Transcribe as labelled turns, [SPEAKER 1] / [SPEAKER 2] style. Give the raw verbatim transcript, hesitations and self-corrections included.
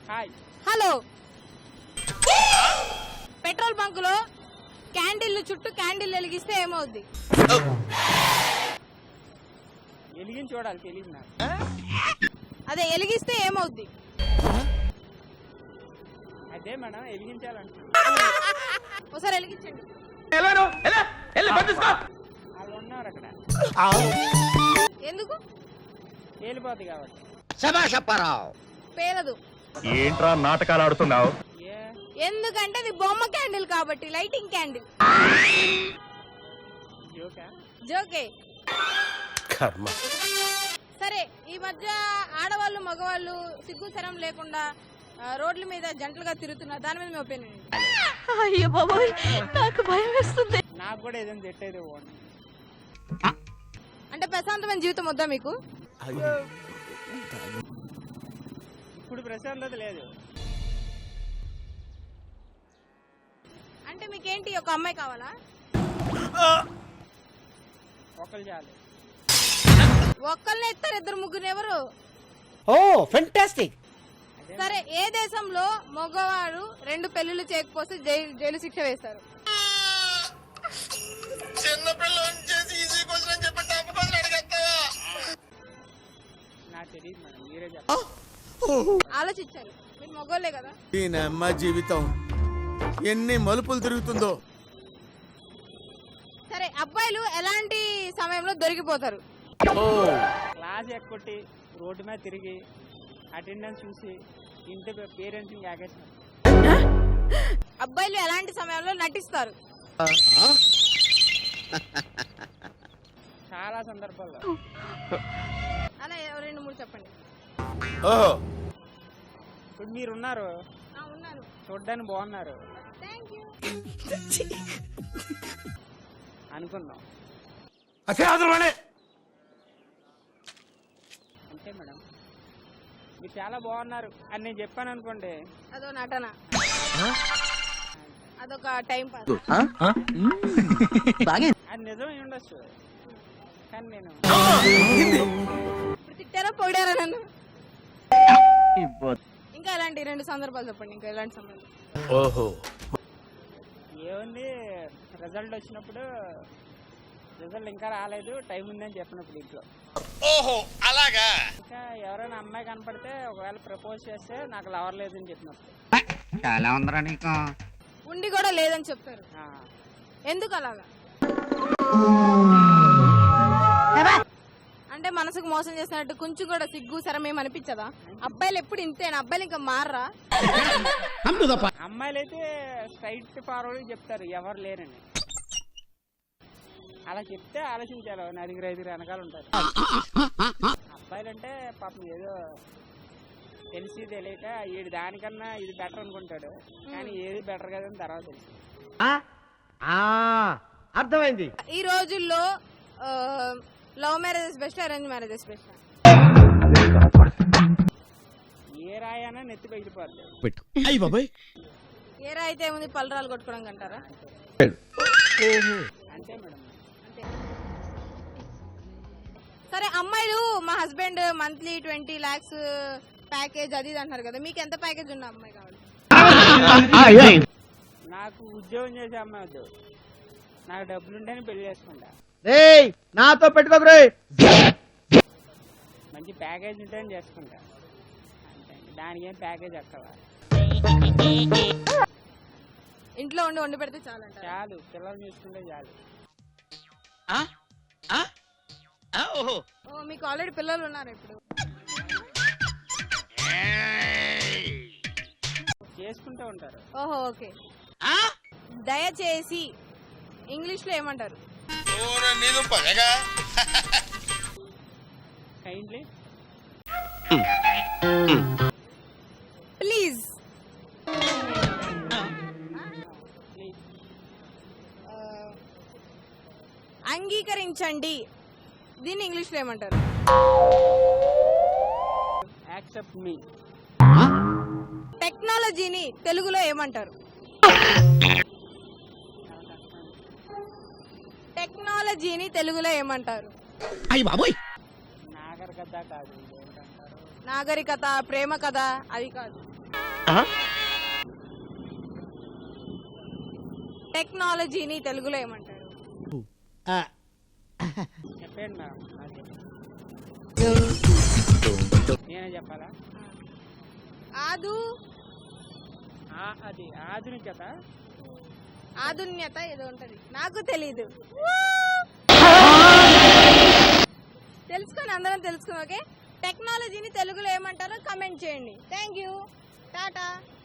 [SPEAKER 1] Hi.
[SPEAKER 2] Hello. Petrol బంకులో candle చుట్టూ candle వెలిగిస్తే ఏమవుద్ది?
[SPEAKER 1] వెలిగించి చూడాలి, తెలియదు నాకు.
[SPEAKER 2] అదే వెలిగిస్తే ఏమవుద్ది?
[SPEAKER 1] అదే మేడం వెలిగించాలంటున్నా.
[SPEAKER 2] ఒకసారి వెలిగించండి.
[SPEAKER 1] వాళ్ళు ఉన్నారు అక్కడ.
[SPEAKER 2] ఎందుకు?
[SPEAKER 1] వెళ్ళిపోద్ది కాబట్టి.
[SPEAKER 2] పేలదు.
[SPEAKER 3] ఏంట్రా నాటకాలు ఆడుతున్నావు?
[SPEAKER 2] ఎందుకంటే ఇది బొమ్మ క్యాండిల్ కాబట్టి, లైటింగ్ క్యాండిల్.
[SPEAKER 1] జోకా?
[SPEAKER 2] జోకే.
[SPEAKER 3] కర్మ.
[SPEAKER 2] సరే, ఈ మధ్య ఆడవాళ్ళు మగవాళ్ళు సిగ్గు శరం లేకుండా రోడ్ల మీద జంటలుగా తిరుగుతున్నారు, దాని మీద మీ ఒపీనియన్?
[SPEAKER 4] అయ్యో బాబోయ్, నాకు భయం వేస్తుంది.
[SPEAKER 1] నాకు కూడా ఏదైనా తెట్టేది.
[SPEAKER 2] అంటే ప్రశాంతమైన జీవితం వద్దా మీకు?
[SPEAKER 1] ఇప్పుడు ప్రశాంతత లేదు.
[SPEAKER 2] అంటే మీకేంటి, ఒక అమ్మాయి కావాలా?
[SPEAKER 1] ఒకళ్ళు చాలు.
[SPEAKER 2] ఒక్కళ్ళనే ఇస్తారు, ఇద్దరు ముగ్గురు ఎవరు?
[SPEAKER 5] Oh fantastic.
[SPEAKER 2] సరే, ఏ దేశంలో మగవారు రెండు పెళ్లిళ్ళు చేయకపోతే జైలు జైలు శిక్ష వేస్తారు?
[SPEAKER 1] నాకు తెలియదు మేడం, మీరే చెప్పండి.
[SPEAKER 2] ఆలోచించాలి, మీరు మగోళ్ళే కదా.
[SPEAKER 6] అమ్మ జీవితం ఎన్ని మలుపులు తిరుగుతుందో.
[SPEAKER 2] సరే, అబ్బాయిలు ఎలాంటి సమయంలో దొరికిపోతారు?
[SPEAKER 1] క్లాస్ ఎక్కొట్టి రోడ్డు మీద తిరిగి అటెండెన్స్ చూసి ఇంటి పేరెంట్స్ ఆగేస్తారు.
[SPEAKER 2] అబ్బాయిలు ఎలాంటి సమయంలో నటిస్తారు?
[SPEAKER 1] చాలా సందర్భాల్లో.
[SPEAKER 2] అలా రెండు మూడు చెప్పండి.
[SPEAKER 6] ఓహో,
[SPEAKER 1] ఇప్పుడు మీరున్నారు,
[SPEAKER 2] ఉన్నాను,
[SPEAKER 1] చూడ్డానికి బాగున్నారు అనుకుందాం. అంతే మేడం, మీరు చాలా బాగున్నారు అని నేను చెప్పాను అనుకోండి,
[SPEAKER 2] అదో నటన, అదొక టైం పాస్.
[SPEAKER 1] అది నిజం ఉండొచ్చు, కానీ నేను
[SPEAKER 2] ఇప్పుడు తిట్టారా పొగిడారా నన్ను? ఇంకా ఎలాంటి రెండు సందర్భాలు చెప్పండి. ఇంకా ఎలాంటి సందర్భాలు?
[SPEAKER 6] ఓహో,
[SPEAKER 1] ఏముంది, రిజల్ట్ వచ్చినప్పుడు రిజల్ట్ ఇంకా రాలేదు, టైం ఉందని చెప్పినప్పుడు ఇంట్లో.
[SPEAKER 6] ఓహో అలాగా.
[SPEAKER 1] ఇంకా ఎవరైనా అమ్మాయి కనపడితే ఒకవేళ ప్రపోజ్ చేస్తే నాకు లవర్ లేదని చెప్పినప్పుడు.
[SPEAKER 5] చాలా ఉందరా నీకు.
[SPEAKER 2] ఉండి కూడా లేదని చెప్తారు, ఎందుకు అలాగా? అంటే మనసుకు మోసం చేసినట్టు కొంచెం కూడా సిగ్గు శరమేం అనిపించదా? అబ్బాయిలు ఎప్పుడు ఇంతేనా? అబ్బాయిలు ఇంకా మారరా?
[SPEAKER 1] అమ్మాయిలు అయితే స్ట్రైట్ ఫార్వర్డ్ చెప్తారు ఎవరు లేరని. అలా చెప్తే ఆలోచించాలి, నలుగురు ఐదుగురు వెనకాల ఉంటారు. అబ్బాయిలు అంటే పాపం ఏదో తెలిసి తెలియక వీడు దానికన్నా ఇది బెటర్ అనుకుంటాడు, కానీ ఏది బెటర్ కదని తర్వాత తెలుసు.
[SPEAKER 5] అర్థమైంది.
[SPEAKER 2] ఈ రోజుల్లో love marriages best, arrange marriages best?
[SPEAKER 1] ఏ రాయనా నెత్తి పగిలిపోద్ది.
[SPEAKER 2] ఏ రాయితే ఏముంది, పలరాలు కొట్టుకోవడం అంటారా?
[SPEAKER 1] అంతే మేడం.
[SPEAKER 2] సరే, అమ్మాయిలు మా husband monthly twenty lakhs package అది ఇది అంటారు కదా, మీకు ఎంత ప్యాకేజ్ ఉన్న అమ్మాయి కావాలి?
[SPEAKER 1] నాకు ఉద్యోగం చేసే అమ్మాయి వద్దు, నాకు డబ్బులుంటేనే పెళ్లి చేసుకుంటా.
[SPEAKER 5] నాతో పెట్టుకోకు,
[SPEAKER 1] మంచి ప్యాకేజ్ ఉంటేనే చేసుకుంటా. అంతే, దానికి ఏం ప్యాకేజ్ అక్కవా?
[SPEAKER 2] ఇంట్లో ఉండి వండి పెడితే చాలు అంట.
[SPEAKER 1] చాలు, పిల్లలు చూసుకుంటే చాలు.
[SPEAKER 2] ఓ, మీకు ఆల్రెడీ పిల్లలు ఉన్నారు ఇప్పుడు?
[SPEAKER 1] చేసుకుంటూ ఉంటారు.
[SPEAKER 2] ఓహో, ఓకే. దయచేసి ఇంగ్లీష్ లో ఏమంటారు?
[SPEAKER 1] కైండ్లీ.
[SPEAKER 2] ప్లీజ్. అంగీకరించండి, దీన్ని ఇంగ్లీష్ లో ఏమంటారు?
[SPEAKER 1] Accept me.
[SPEAKER 2] టెక్నాలజీని తెలుగులో ఏమంటారు? టెక్నాలజీని తెలుగులో ఏమంటారు?
[SPEAKER 5] అయ్యి బాబోయ్,
[SPEAKER 1] నాగరికత కాదు, ఏంటంటారు?
[SPEAKER 2] నాగరికత, ప్రేమ కథ, అవి కాదు. టెక్నాలజీని తెలుగులో ఏమంటారు?
[SPEAKER 1] చెప్పండి మేడం నాకే. నేనే చెప్పాలా?
[SPEAKER 2] ఆదు
[SPEAKER 1] ఆ, అది ఆధునికత.
[SPEAKER 2] ఆధున్యత ఏదో ఉంటది, నాకు తెలీదు. తెలుసుకొని అందరం తెలుసుకుని ఓకే. టెక్నాలజీని తెలుగులో ఏమంటారో కమెంట్ చేయండి. Thank you, Tata.